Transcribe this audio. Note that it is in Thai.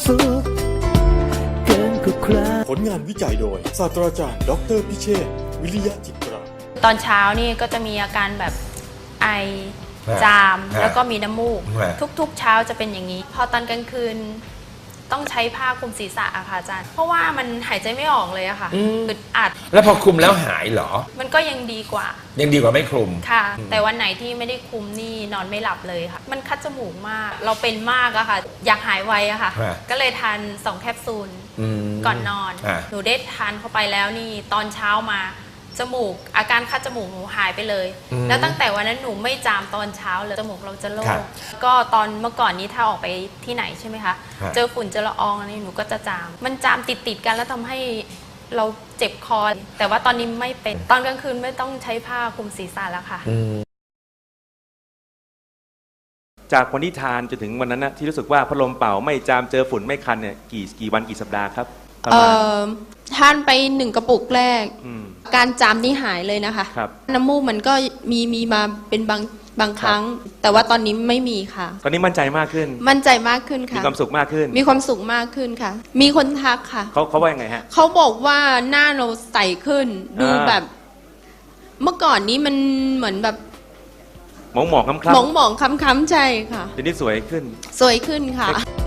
สุขเกินกว่าใครผลงานวิจัยโดยศาสตราจารย์ดรพิเชษฐ์วิริยะจิตราตอนเช้านี่ก็จะมีอาการแบบไอจามแล้วก็มีน้ำมูกทุกๆเช้าจะเป็นอย่างนี้พอตอนกลางคืนต้องใช้ผ้าคลุมศีรษะอะค่ะอาจารย์เพราะว่ามันหายใจไม่ออกเลยอะค่ะอึดอัดแล้วพอคลุมแล้วหายเหรอมันก็ยังดีกว่าไม่คลุมค่ะแต่วันไหนที่ไม่ได้คลุมนี่นอนไม่หลับเลยค่ะมันคัดจมูกมากเราเป็นมากอะค่ะอยากหายไวอะค่ะก็เลยทาน2 แคปซูลก่อนนอนหนูได้ทานเข้าไปแล้วนี่ตอนเช้ามาจมูกอาการคัดจมูกหนูหายไปเลยแล้วตั้งแต่วันนั้นหนูไม่จามตอนเช้าเลยจมูกเราจะโล่งก็ตอนเมื่อก่อนนี้ถ้าออกไปที่ไหนใช่ไหมคะเจอฝุ่นเจอละอองอะไรหนูก็จะจามมันจามติดกันแล้วทำให้เราเจ็บคอแต่ว่าตอนนี้ไม่เป็นตอนกลางคืนไม่ต้องใช้ผ้าคลุมศีรษะแล้วค่ะจากวันที่ทานจนถึงวันนั้นนะที่รู้สึกว่าพัดลมเป่าไม่จามเจอฝุ่นไม่คันเนี่ยกี่วันกี่สัปดาห์ครับทานไป1 กระปุกแรกการจามนี่หายเลยนะคะน้ำมูกมันก็มีมาเป็นบางครั้งแต่ว่าตอนนี้ไม่มีค่ะตอนนี้มั่นใจมากขึ้นมั่นใจมากขึ้นค่ะมีความสุขมากขึ้นมีความสุขมากขึ้นค่ะมีคนทักค่ะเขาว่ายังไงฮะเขาบอกว่าหน้าเราใสขึ้นดูแบบเมื่อก่อนนี้มันเหมือนแบบหมองคล้ำหมองคล้ำใจค่ะทีนี้สวยขึ้นค่ะ